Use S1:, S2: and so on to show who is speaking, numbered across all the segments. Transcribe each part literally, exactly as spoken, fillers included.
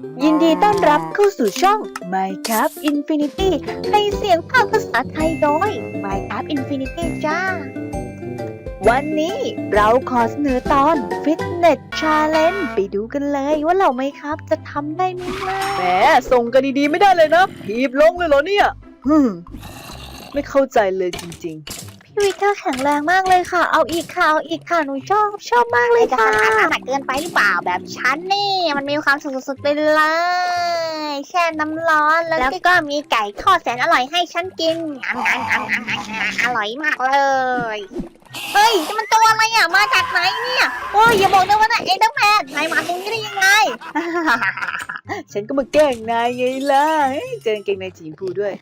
S1: ยินดีต้อนรับเข้าสู่ช่อง Minecraft Infinity ในเสียงภาคภาษาไทยโดย Minecraft Infinity จ้า วันนี้เราขอเสนอตอน Fitness Challenge ไปดูกันเลยว่าเหล่า Minecraft จะทำได้ไหมล่ะ
S2: แหมส่งกันดีๆไม่ได้เลยนะถีบลงเลยเหรอเนี่ยฮึมไม่เข้าใจเลยจริงๆ
S1: พี่วิกเตอร์แข็งแรงมากเลยค่ะ เอาอีกค่ะ เอาอีกค่ะ หนูชอบ ชอบมากเลยค่ะ
S3: จะขนาดนั้นเกินไปหรือเปล่าแบบฉันนี่มันมีความสุดๆไปเลยแช่น้ำร้อนแล้วก็มีไก่ทอดแสนอร่อยให้ฉันกินงามงามงามงามงามอร่อยมากเลยเฮ้ยนี่มันตัวอะไรอ่ะมาจากไหนเนี่ยโอ้ยอย่าบอกนะว่าน่ะเอเดอร์แมนนายมาตรงนี้ได้ยังไง
S2: ฉันก็มาแกล้งนายไงล่ะเจอเกงในสีชมพูด้วย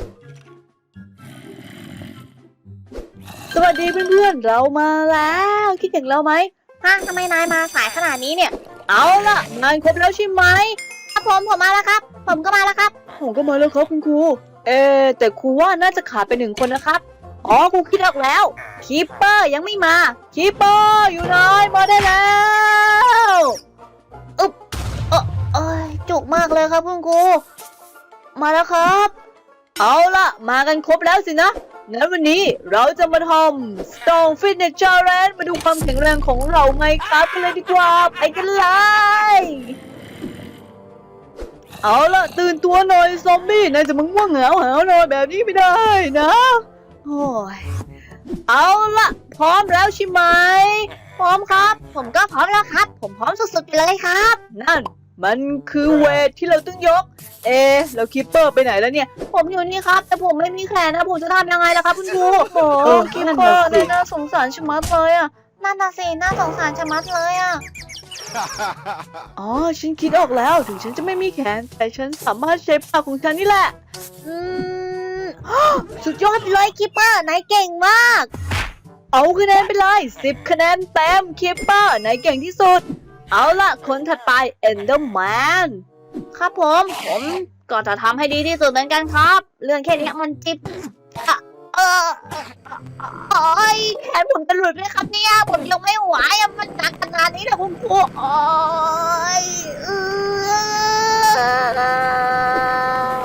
S2: สวัสดีเพื่อนๆเรามาแล้วคิดถึงเราไหม
S3: ฮะทำไมนายมาสายขนาดนี้เนี่ย
S2: เอาล่ะงานครบแล้วใช่ไหม
S3: ครับผมผมมาแล้วครับ ผมก็มาแล้วครับ
S2: ผมก็มาแล้วครับคุณครูเออแต่ครูว่าน่าจะขาดไปหนึ่งคนนะครับอ๋อครูคิดออกแล้วคีปเปอร์ยังไม่มาคีปเปอร์อยู่ไหนมาได้แล้วอึ๊บ
S3: เอ้ยจุกมากเลยครับคุณครูมาแล้วครับ
S2: เอาล่ะมากันครบแล้วสินะงั้นวันนี้เราจะมาทำ Stone Fitness Challenge มาดูความแข็งแรงของเราไงครับกันเลยดีกว่าไปกันเลยเอาล่ะตื่นตัวหน่อยซอมบี้นายจะมึงง่วงเหงาหานอนแบบนี้ไม่ได้นะโอ้ยเอาล่ะพร้อมแล้วใช่ไหม
S3: พร้อมครับ ผมก็พร้อมแล้วครับ ผมพร้อมสุดๆไปเลยครับ
S2: นั่นมันคือเวทที่เราต้องยกเอแล้วคิปเปอร์ไปไหนแล้วเนี่ย
S3: ผมอยู่นี่ครับ แต่ผมไม่มีแขนนะผมจะทำยังไงล่ะครับคุณครู
S1: โอ้
S2: เออ
S1: คิป
S2: นั่น
S1: เปอ
S2: น่ะ
S1: ร์
S2: สิ
S1: เนี่ยน่าสงสารชะมัดเลยอ่ะ
S3: นั่นน่ะสิน่าสงสารชะมัดเลยอ่ะ
S2: อ๋อฉันคิดออกแล้วถึงฉันจะไม่มีแขนแต่ฉันสามารถใช้ปากของฉันนี่แหละ
S3: อืม สุดยอดเลยคิปเปอร์นายเก่งมาก
S2: เอาคะแนนไปเลยสิบคะแนนเต็มคิปเปอร์ไหนเก่งที่สุดเอาล่ะคนถัดไป Enderman
S3: ครับผมผมก็จะทำให้ดีที่สุดเหมือนกันครับ เรื่องแค่นี้มันจิบอะเออโอ้ยแขนผมจะหลุดไหมครับเนี่ยผมยังไม่ไหวอะมันหนักขนาดนี้นะคุณครูโอ้ยเออ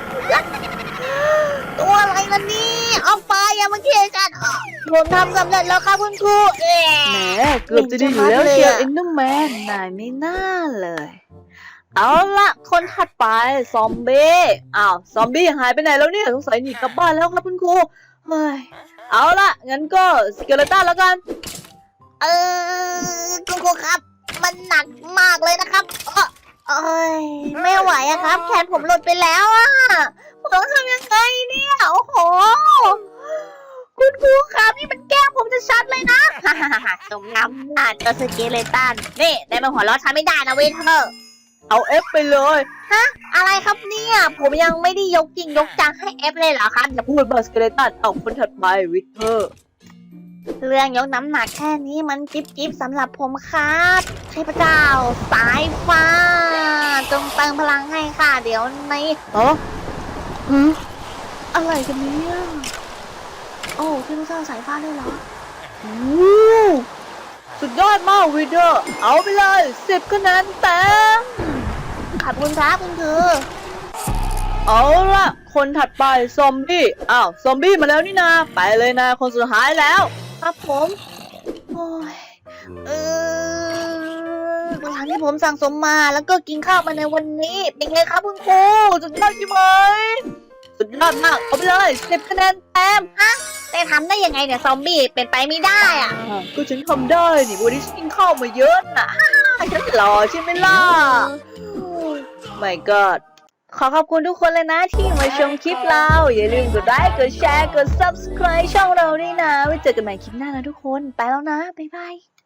S3: ตัวอะไรล่ะนี่เอาไปอย่ามาเคียกัน ผมทำสำเร็จแล้วครับคุณครูเอ๊
S2: แหมเกือบจะดีอยู่แล้วเชียว Enderman นายไม่น่าเลยเอาล่ะคนถัดไปซอมบี้อ้าวซอมบี้หายไปไหนแล้วเนี่ยสงสัยหนีกลับบ้านแล้วครับคุณครูเฮ้ยเอาล่ะงั้นก็สเกเลตันแล้วกัน
S3: เออคุณครูครับ มันหนักมากเลยนะครับเอ้อเอ้ยไม่ไหวอะครับ แขนผมหลุดไปแล้วอะผมต้องทำยังไงเนี่ยโอ้โหคุณครูครับนี่มันแกล้งผมจะชัดเลยนะ สมน้ำหน้าเจอสเกเลตันนี่ได้มาหัวเราะฉันไม่ได้นะเวนเธอร์
S2: เอาเอฟไปเลย
S3: อะไรครับเนี่ยผมยังไม่ได้ยกจริงยกจังให้เอฟเลยเหรอครับ
S2: อย่าพูดมาสเกเลตันเอาคนถัดไปวิกเตอร์
S3: เรื่องยกน้ำหนักแค่นี้มันจิ๊บจิ๊บสำหรับผมครับเทพเจ้าสายฟ้าจงเติมพลังให้ค่ะเดี๋ยวใน
S2: อ๋อหือ
S3: อะไรกันเนี่ยโอ้เทพเจ้าสายฟ้าเลยเหรอ
S2: วู้สุดยอดมากวิกเตอร์เอาไปเลยสิบคะแนนเต็ม
S3: ขอบคุณครับคุณคือ
S2: เอาล่ะคนถัดไปซอมบี้อ้าวซอมบี้มาแล้วนี่นาไปเลยนะคนสุดท้ายแล้ว
S3: ครับผมโอ้ยเออพลังที่ผมสั่งสมมาแล้วก็กินข้าวมาในวันนี้เป็นไงครับคุณครูสุดยอดใช่ไหม
S2: สุดยอดมากเอาไปเลยสิบคะแนนเต็ม
S3: แต่ทำได้ยังไงเนี่ยซอมบี้เป็นไปไม่ได้อะ
S2: อ่ะก็ฉันทำได้นี่วันนี้ฉันกินข้าวมาเยอะน่ะ ฉันหล่อใช่ไหมล่ะ My God
S1: ขอขอบคุณทุกคนเลยนะที่มาชมคลิปเรา อย่าลืมกดไลค์กดแชร์กด Subscribe ช่องเราด้วยนะ ไว้เจอกันใหม่คลิปหน้านะทุกคน ไปแล้วนะ บ๊ายบาย